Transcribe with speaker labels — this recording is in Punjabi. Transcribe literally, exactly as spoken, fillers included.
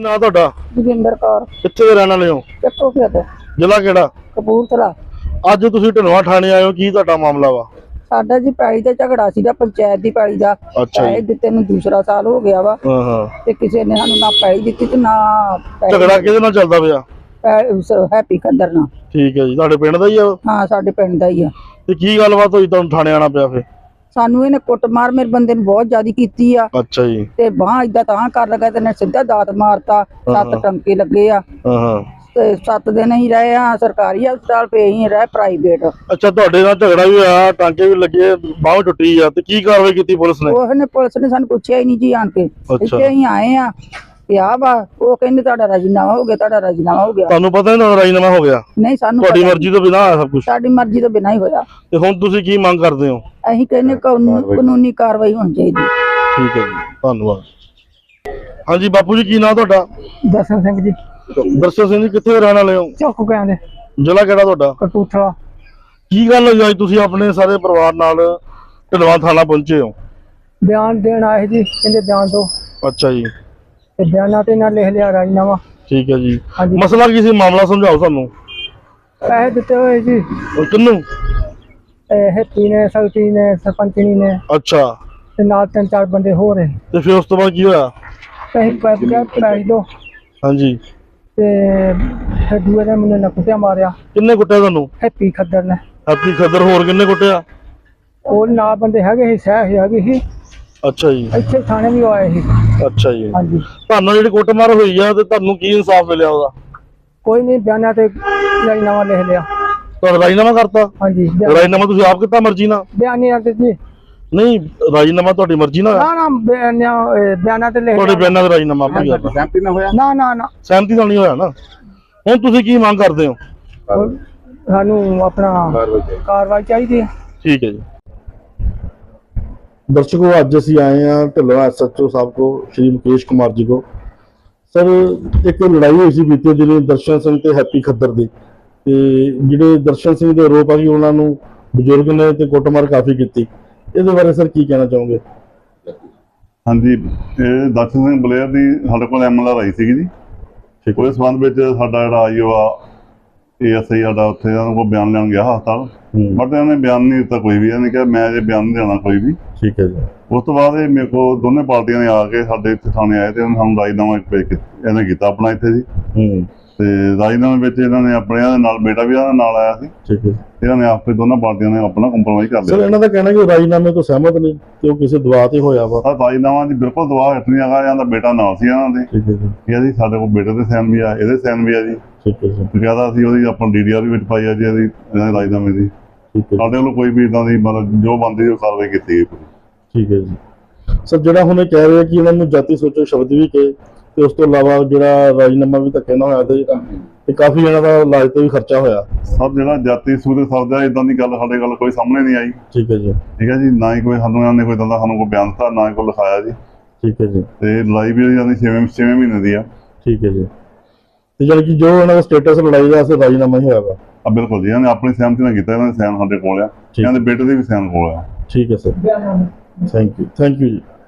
Speaker 1: ਨਾਂ ਤੁਹਾਡਾ?
Speaker 2: ਜੋਗਿੰਦਰ ਕੌਰ।
Speaker 1: ਕਿੱਥੇ ਦੇ ਰਹਿਣ ਵਾਲੇ ਹੋ?
Speaker 2: ਚੱਕੋ ਖੇਤ,
Speaker 1: ਜ਼ਿਲ੍ਹਾ ਕਿਹੜਾ?
Speaker 2: ਕਪੂਰਥਲਾ।
Speaker 1: ਅੱਜ ਤੁਸੀਂ ਢਿਲਵਾਂ ਥਾਣੇ ਆਏ ਹੋ, ਕੀ ਤੁਹਾਡਾ ਮਾਮਲਾ ਵਾ?
Speaker 2: ਸਾਡਾ ਜੀ ਪੈਲੀ ਦਾ ਝਗੜਾ ਸੀਗਾ, ਪੰਚਾਇਤ ਦੀ ਪੈਲੀ ਦਾ।
Speaker 1: ਅੱਛਾ ਜੀ।
Speaker 2: ਪੈਲੀ ਦਿੱਤੇ ਨੂੰ ਦੂਸਰਾ ਸਾਲ ਹੋ ਗਿਆ ਵਾ
Speaker 1: ਹਾਂ ਹਾਂ।
Speaker 2: ਤੇ ਕਿਸੇ ਨੇ ਸਾਨੂੰ ਨਾ ਪੈਲੀ ਦਿੱਤੀ ਤੇ ਨਾ ਪੈਲੀ-
Speaker 1: ਝਗੜਾ ਕਿਹਦੇ ਨਾਲ ਚੱਲਦਾ ਪਿਆ?
Speaker 2: ਪੈ- ਉਸ ਹੈਪੀ ਖੰਦਰ ਨਾਲ।
Speaker 1: ਠੀਕ ਹੈ ਜੀ, ਤੁਹਾਡੇ ਪਿੰਡ ਦਾ ਹੀ ਆ ਉਹ?
Speaker 2: ਹਾਂ, ਸਾਡੇ ਪਿੰਡ ਦਾ ਹੀ ਆ।
Speaker 1: ਤੇ ਕੀ ਗੱਲਬਾਤ ਹੋਈ ਤੁਹਾਨੂੰ ਥਾਣੇ ਆਣਾ ਪਿਆ ਫਿਰ?
Speaker 2: ਸਾਨੂੰ ਇਹਨੇ ਕੁੱਟਮਾਰ ਮੇਰੇ ਬੰਦੇ ਨੂੰ ਬਹੁਤ ਜ਼ਿਆਦਾ ਕੀਤੀ ਆ
Speaker 1: ਅੱਛਾ ਜੀ।
Speaker 2: ਤੇ ਬਾਂਹ ਏਦਾਂ ਤਾਂ ਕਰ ਲਗਾ ਤੇ ਨੇ ਸਿੱਧਾ ਦਾਤ ਮਾਰਤਾ। ਸੱਤ ਟੰਕੇ ਲੱਗੇ ਆ
Speaker 1: ਹਾਂ ਹਾਂ।
Speaker 2: ਤੇ ਸੱਤ ਦਿਨ ਹੀ ਰਹੇ ਆ ਸਰਕਾਰੀ ਹਸਪਤਾਲ, ਪਏ ਹੀ ਰਹੇ ਪ੍ਰਾਈਵੇਟ।
Speaker 1: ਅੱਛਾ, ਤੁਹਾਡੇ ਨਾਲ ਝਗੜਾ ਵੀ ਹੋਇਆ, ਟਾਂਕੇ ਵੀ ਲੱਗੇ, ਬਾਂਹ ਟੁੱਟੀ ਆ, ਤੇ ਕੀ ਕਾਰਵਾਈ ਕੀਤੀ ਪੁਲਿਸ ਨੇ?
Speaker 2: ਉਹਨੇ ਪੁਲਿਸ ਨੇ ਸਾਨੂੰ ਪੁੱਛਿਆ ਹੀ ਨਹੀਂ ਜੀ ਆਣ ਕੇ। ਇੱਥੇ ਹੀ ਆਏ ਆ ਪਿਆ ਵਾ, ਉਹ ਕਹਿੰਦੇ ਤੁਹਾਡਾ ਰਾਜੀਨਾਮਾ ਹੋ ਗਿਆ, ਤੁਹਾਡਾ ਰਾਜੀਨਾਮਾ ਹੋ ਗਿਆ।
Speaker 1: ਤੁਹਾਨੂੰ ਪਤਾ ਨਹੀਂ ਰਾਜੀਨਾਮਾ ਹੋ ਗਿਆ?
Speaker 2: ਨਹੀਂ, ਸਾਨੂੰ
Speaker 1: ਤੁਹਾਡੀ ਮਰਜ਼ੀ ਤੋਂ ਬਿਨਾਂ ਆਇਆ ਸਭ ਕੁਝ?
Speaker 2: ਸਾਡੀ ਮਰਜ਼ੀ ਤੋਂ ਬਿਨਾਂ ਹੀ ਹੋਇਆ।
Speaker 1: ਤੇ ਹੁਣ ਤੁਸੀਂ ਕੀ ਮੰਗ ਕਰਦੇ ਹੋ?
Speaker 2: ਅਸੀਂ ਕਹਿੰਦੇ ਕਾਨੂੰਨ- ਕਾਨੂੰਨੀ ਕਾਰਵਾਈ ਹੋਣੀ ਚਾਹੀਦੀ।
Speaker 1: ਠੀਕ ਹੈ ਜੀ, ਧੰਨਵਾਦ। ਹਾਂਜੀ ਬਾਪੂ ਜੀ, ਕੀ ਨਾਂ ਤੁਹਾਡਾ?
Speaker 2: ਦਰਸ਼ਨ ਸਿੰਘ ਜੀ।
Speaker 1: ਦਰਸ਼ਨ ਸਿੰਘ ਜੀ, ਕਿੱਥੇ ਦੇ ਰਹਿਣ ਵਾਲੇ ਹੋ?
Speaker 2: ਚੌਕ ਕਹਿੰਦੇ,
Speaker 1: ਜ਼ਿਲ੍ਹਾ ਕਿਹੜਾ ਤੁਹਾਡਾ?
Speaker 2: ਕਪੂਰਥਲਾ।
Speaker 1: ਕੀ ਗੱਲ ਹੋਈ ਅੱਜ ਤੁਸੀਂ ਆਪਣੇ ਸਾਰੇ ਪਰਿਵਾਰ ਨਾਲ ਢਿਲਵਾਂ ਥਾਣਾ ਪਹੁੰਚੇ ਹੋ?
Speaker 2: ਬਿਆਨ ਦੇਣ ਆਏ ਜੀ, ਕਹਿੰਦੇ ਬਿਆਨ ਦੋ।
Speaker 1: ਅੱਛਾ ਜੀ।
Speaker 2: ਤੇ ਬਿਆਨਾਂ ਤੇ ਨਾਲ ਲਿਖ ਲਿਆ ਰਾਜੀਨਾਮਾ।
Speaker 1: ਠੀਕ ਹੈ ਜੀ।
Speaker 2: ਹਾਂਜੀ।
Speaker 1: ਮਸਲਾ ਕੀ ਸੀ, ਮਾਮਲਾ ਸਮਝਾਓ ਸਾਨੂੰ।
Speaker 2: ਪੈਸੇ ਦਿੱਤੇ ਹੋਏ ਜੀ
Speaker 1: ਉਹ ਕਿਹਨੂੰ?
Speaker 2: ਹੈਪੀ ਨੇ, ਸਲਤੀ ਨੇ, ਸਰਪੰਚਣੀ ਨੇ
Speaker 1: ਅੱਛਾ।
Speaker 2: ਤੇ ਨਾਲ ਤਿੰਨ ਚਾਰ ਬੰਦੇ ਹੋ ਰਹੇ।
Speaker 1: ਤੇ ਫਿਰ ਉਸ ਤੋਂ ਬਾਅਦ ਕੀ ਹੋਇਆ?
Speaker 2: ਪੈਸੇ ਪੈਸੇ ਕਿਹਾ ਪੈਸੇ ਦੋ।
Speaker 1: ਹਾਂਜੀ।
Speaker 2: ਤੇ ਫਿਰ ਦੂਏ ਨੇ ਮੈਨੂੰ ਨਕੁੱਟਿਆ ਮਾਰਿਆ।
Speaker 1: ਕਿੰਨੇ ਕੁੱਟਿਆ ਤੁਹਾਨੂੰ?
Speaker 2: ਹੈਪੀ ਖੱਦਰ ਨੇ।
Speaker 1: ਹੈਪੀ ਖੱਦਰ, ਹੋਰ ਕਿੰਨੇ ਕੁੱਟਿਆ?
Speaker 2: ਉਹ ਨਾਲ ਬੰਦੇ ਹੈਗੇ ਸੀ, ਸਹਿ ਹੈਗੀ ਸੀ।
Speaker 1: ਅੱਛਾ ਜੀ।
Speaker 2: ਇੱਥੇ ਥਾਣੇ ਵੀ ਆਏ ਸੀ।
Speaker 1: ਅੱਛਾ ਜੀ।
Speaker 2: ਹਾਂਜੀ।
Speaker 1: ਤੁਹਾਨੂੰ ਜਿਹੜੀ ਕੁੱਟਮਾਰ ਹੋਈ ਆ ਤੇ ਤੁਹਾਨੂੰ ਕੀ ਇਨਸਾਫ ਮਿਲਿਆ ਉਹਦਾ?
Speaker 2: ਕੋਈ ਨਹੀਂ, ਬਿਆਨਾਂ ਤੇ ਰਾਜੀਨਾਮਾ ਲਿਖ ਲਿਆ।
Speaker 1: ਤੁਹਾਡਾ ਰਾਜੀਨਾਮਾ ਕਰਤਾ?
Speaker 2: ਹਾਂਜੀ।
Speaker 1: ਰਾਜੀਨਾਮਾ ਤੁਸੀਂ ਆਪ ਕੀਤਾ ਮਰਜ਼ੀ ਨਾਲ?
Speaker 2: ਬਿਆਨੀਆਂ ਤੇ ਜੀ।
Speaker 1: ਨਹੀਂ, ਰਾਜੀਨਾਮਾ ਤੁਹਾਡੀ ਮਰਜ਼ੀ ਨਾਲ?
Speaker 2: ਨਾ ਨਾ, ਬਿਆਨਾਂ ਬਿਆਨਾਂ ਤੇ ਲਿਖ
Speaker 1: ਤੁਹਾਡੇ
Speaker 2: ਲਿਆ।
Speaker 1: ਬਿਆਨਾਂ ਦਾ ਰਾਜੀਨਾਮਾ ਆਪੇ ਕਰਦਾ?
Speaker 2: ਸਹਿਮਤੀ ਨਾਲ ਹੋਇਆ? ਨਾ ਨਾ ਨਾ,
Speaker 1: ਸਹਿਮਤੀ ਨਾਲ ਨਹੀਂ ਹੋਇਆ ਨਾ। ਹੁਣ ਤੁਸੀਂ ਕੀ ਮੰਗ ਕਰਦੇ ਹੋ?
Speaker 2: ਸਾਨੂੰ ਆਪਣਾ ਕਾਰਵਾਈ ਚਾਹੀਦੀ ਹੈ।
Speaker 1: ਠੀਕ ਹੈ ਜੀ। ਦਰਸ਼ਕੋ, ਅੱਜ ਅਸੀਂ ਆਏ हैं ਢਿਲਵਾਂ एस एच ओ साहब को, श्री मुकेश कुमार जी को। सर, एक लड़ाई हुई सी बीते दिन दर्शन सिंह ते हैप्पी खद्दर दी, ते जिहड़े दर्शन सिंह दे आरोप आ कि उन्हां नूं बजुर्ग ने ते कुੱਟਮਾਰ काफ़ी कीती, इहदे बारे सर की कहना चाहोगे?
Speaker 3: हाँ जी, ये दर्शन सिंह बलेयर की साडे कोल M L R I C जी। उस संबंध में साडा जिहड़ा आई ओ आ ए एस आई साडा उत्थे उन्हां कोल बयान लैण गया हस्पताल, बट इन्होंने बयान नहीं दिता कोई भी। इन्होंने कहा मैं अजे बयान नहीं देना कोई भी।
Speaker 1: ठीक है जी।
Speaker 3: उस तो बाद मेरे को दोनों पार्टियां ने आके साडे इत्थे थाने आए ते हम राजीनामा पेश कीता, इन्हें कीता अपना इत्थे जी। ते राजीनामे विच इन्होंने अपने नाल बेटा भी इन्हां नाल आया सी। ठीक है। इन्होंने आपे दोनों पार्टियां ने अपना कंप्रोमाइज कर लिया।
Speaker 1: सर, इन्हां दा कहना कि राजीनामे तो सहमत नहीं कि वो किसी दबाव ते होया वा।
Speaker 3: सर, राजीनामा जी बिल्कुल दबाव हट नहीं हैगा, इन्हां दा बेटा नाल सी इन्हां दे। ठीक है जी। ये जी साडे कोल बेटे दे साइन भी आ, इहदे साइन भी आ जी। ठीक है जी। ज्यादा ਅਸੀਂ ਉਹਦੀ ਆਪਾਂ ਡੀਡੀਆਰ ਵੀ ਵਿੱਚ ਪਾਈ ਆ ਜੀ ਇਹਦੀ ਰਾਜਨਾਮੇ ਦੀ। ਸਾਡੇ ਵੱਲੋਂ ਕੋਈ ਵੀ ਇਦਾਂ ਦੀ ਮਤਲਬ ਜੋ ਬਣਦੀ ਉਹ ਕਾਰਵਾਈ ਕੀਤੀ ਗਈ। ਠੀਕ ਹੈ ਜੀ। ਸਰ, ਜਿਹੜਾ ਹੁਣ ਇਹ ਕਹਿ ਰਹੇ ਕਿ ਇਹਨਾਂ ਨੂੰ ਜਾਤੀ ਸੋਚੋ ਸ਼ਬਦ ਵੀ ਕਹੇ ਤੇ ਉਸ ਤੋਂ ਇਲਾਵਾ ਜਿਹੜਾ ਰਾਜਨਾਮਾ ਵੀ ਧੱਕੇ ਨਾਲ ਹੋਇਆ ਤੇ ਤੇ ਕਾਫੀ ਇਹਨਾਂ ਦਾ ਇਲਾਜ ਤੇ ਵੀ ਖਰਚਾ ਹੋਇਆ। ਸਰ, ਜਿਹੜਾ ਜਾਤੀ ਸੂਰੇ ਸ਼ਬਦ ਆ ਇਦਾਂ ਦੀ ਗੱਲ ਸਾਡੇ ਗੱਲ ਕੋਈ ਸਾਹਮਣੇ ਨਹੀਂ ਆਈ। ਠੀਕ ਹੈ ਜੀ। ਠੀਕ ਹੈ ਜੀ। ਨਾ ਹੀ ਕੋਈ ਸਾਨੂੰ ਇਹਨਾਂ ਨੇ ਕੋਈ ਇਦਾਂ ਦਾ ਸਾਨੂੰ ਕੋਈ ਬਿਆਨ ਦਿੱਤਾ, ਨਾ ਹੀ ਕੋਈ ਲਿਖਾਇਆ ਜੀ। ਠੀਕ ਹੈ ਜੀ। ਤੇ ਲੜਾਈ ਵੀ ਇਹਨਾਂ ਦੀ ਛੇਵੇਂ ਛੇਵੇਂ ਮਹੀਨੇ ਦੀ ਆ। ਠੀਕ ਹੈ ਜੀ। ਤੇ ਜਾਨੀ ਕਿ ਜੋ ਇਹਨਾਂ ਦਾ ਸਟੇਟਸ ਲੜਾਈ ਦਾ ਅਸਰ ਰਾਜੀਨਾਮਾ ਹੀ ਹੋਇਆ ਵਾ? ਆ ਬਿਲਕੁਲ ਜੀ, ਇਹਨਾਂ ਨੇ ਆਪਣੀ ਸਹਿਮਤੀ ਨਾਲ ਕੀਤਾ, ਇਹਨਾਂ ਦੇ ਸਾਈਨ ਸਾਡੇ ਕੋਲ ਆ, ਇਹਨਾਂ ਦੇ ਬੇਟੇ ਦੇ ਵੀ ਸਾਈਨ ਕੋਲ ਆ। ਠੀਕ ਹੈ sir, thank you, thank you ਜੀ।